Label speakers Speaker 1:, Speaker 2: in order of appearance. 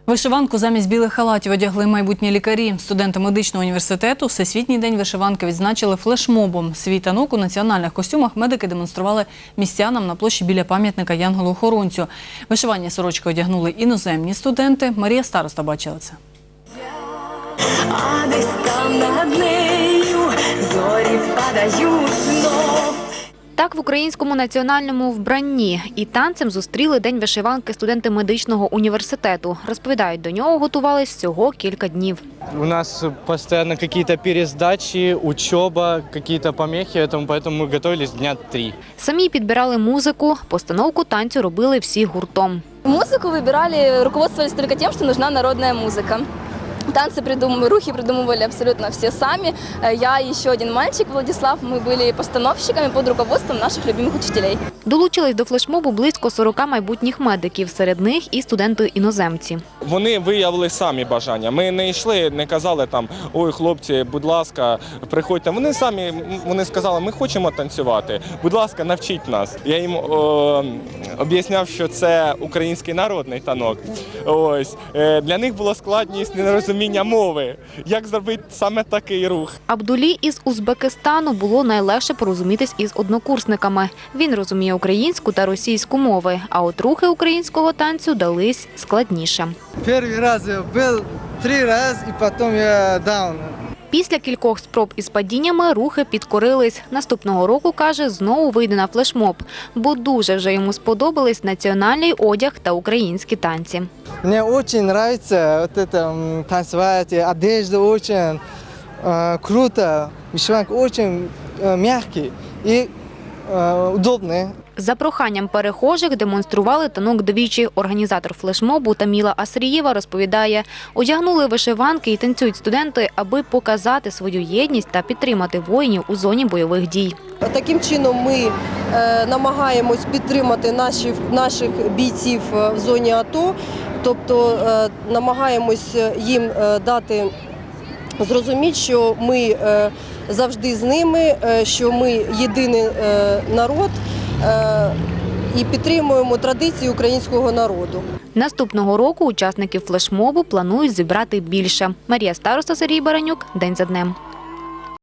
Speaker 1: Вишиванку замість білих халатів одягли майбутні лікарі. Студенти медичного університету Всесвітній день вишиванки відзначили флешмобом. Свій танок у національних костюмах медики демонстрували містянам на площі біля пам'ятника Янголу-Охоронцю. Вишивання сорочки одягнули іноземні студенти. Марія Староста бачила це.
Speaker 2: А десь там над нею зорі впадають знов.
Speaker 3: Так в українському національному вбранні і танцем зустріли День вишиванки студенти медичного університету. Розповідають, до нього готувались всього кілька днів.
Speaker 4: У нас постоянно какие-то пересдачи, учеба, какие-то помехи, поэтому мы готовились дня 3.
Speaker 3: Самі підбирали музику, постановку танцю робили всі гуртом.
Speaker 5: Музыку выбирали, руководствовались только тем, что нужна народная музыка. Танцы рухи придумывали абсолютно все сами. Я и еще один мальчик, Владислав, мы были постановщиками под руководством наших любимых учителей.
Speaker 3: Долучились до флешмобу близько 40 майбутніх медиків, серед них і студенти-іноземці.
Speaker 6: Вони виявили самі бажання. Ми не йшли, не казали там, ой, хлопці, будь ласка, приходьте. Вони сказали, ми хочемо танцювати, будь ласка, навчіть нас. Я їм об'ясняв, що це український народний танок. Ось. Для них було складність нерозуміння мови. Як зробити саме такий рух?
Speaker 3: Абдулі із Узбекистану було найлегше порозумітись із однокурсниками. Він розуміє українську та російську мови, а от рухи українського танцю дались складніше.
Speaker 7: Перший раз я був 3 рази, і потім я даун.
Speaker 3: Після кількох спроб із падіннями рухи підкорились. Наступного року, каже, знову вийде на флешмоб, бо дуже вже йому сподобались національний одяг та українські танці.
Speaker 7: Мені дуже подобається танцювати, одежда дуже круто, вишиванка дуже м'яка і удобна.
Speaker 3: За проханням перехожих демонстрували танок двічі. Організатор флешмобу Таміла Асрієва розповідає, одягнули вишиванки і танцюють студенти, аби показати свою єдність та підтримати воїнів у зоні бойових дій.
Speaker 8: Таким чином ми намагаємось підтримати наших бійців в зоні АТО, тобто намагаємось їм дати зрозуміти, що ми завжди з ними, що ми єдиний народ і підтримуємо традиції українського народу.
Speaker 3: Наступного року учасників флешмобу планують зібрати більше. Марія Староста, Сергій Баранюк. День за днем.